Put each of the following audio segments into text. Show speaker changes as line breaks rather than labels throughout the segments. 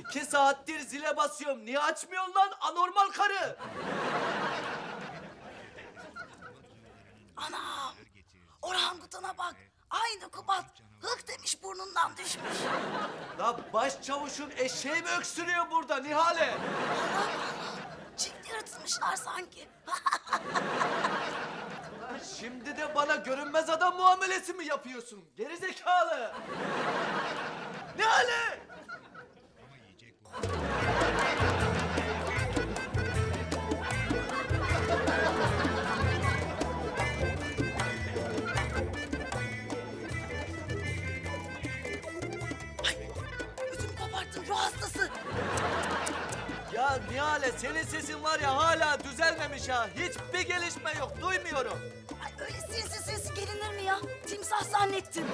2 saattir zile basıyorum. Niye açmıyorsun lan anormal karı?
Anam! Orangutana bak. Aynı Kubat. Hık demiş burnundan düşmüş.
La başçavuşun eşeği mi öksürüyor burada Nihale?
Çift yırtılmışlar sanki.
Lan şimdi de bana görünmez adam muamelesi mi yapıyorsun? Gerizekalı! Nihale!
Ödümü koparttın ruh hastası.
Ya Nihale senin sesin var ya hala düzelmemiş ha. Hiçbir gelişme yok duymuyorum.
Ay öyle sinsi sinsi gelinir mi ya? Timsah zannettim.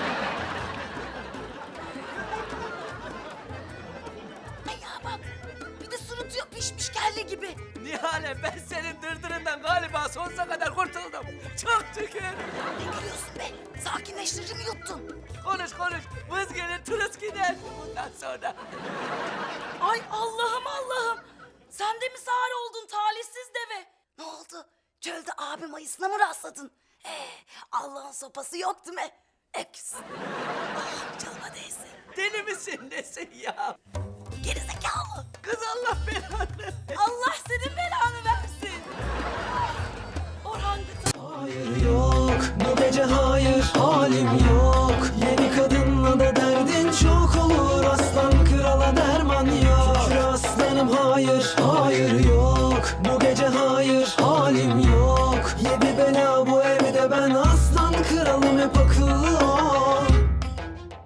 Ay ya bak. Bir de sırıtıyor pişmiş kelle gibi.
Nihale ben senin dırdırından galiba sonsuza kadar kurtuldum. Çok şükür.
Ne gülüyorsun be? Sakinleştirici mi yuttun?
Konuş konuş. Vız gelir tırıs gider bundan sonra.
Ay Allah'ım Allah'ım. Sen de mi sağır oldun talihsiz deve? Ne oldu? Çölde abim ayısına mı rastladın? Allah'ın sopası yok değil mi? Öküz. Ah canıma değsin.
Deli misin nesin ya?
Gerizekalı.
Kız Allah belanı.
Allah senin belanı versin. Orangutan.
Hayır yok bu gece hayır halim yok. Yeni kadınla da derdin çok olur. Aslan krala derman yok. Şükür aslanım hayır hayır yok bu gece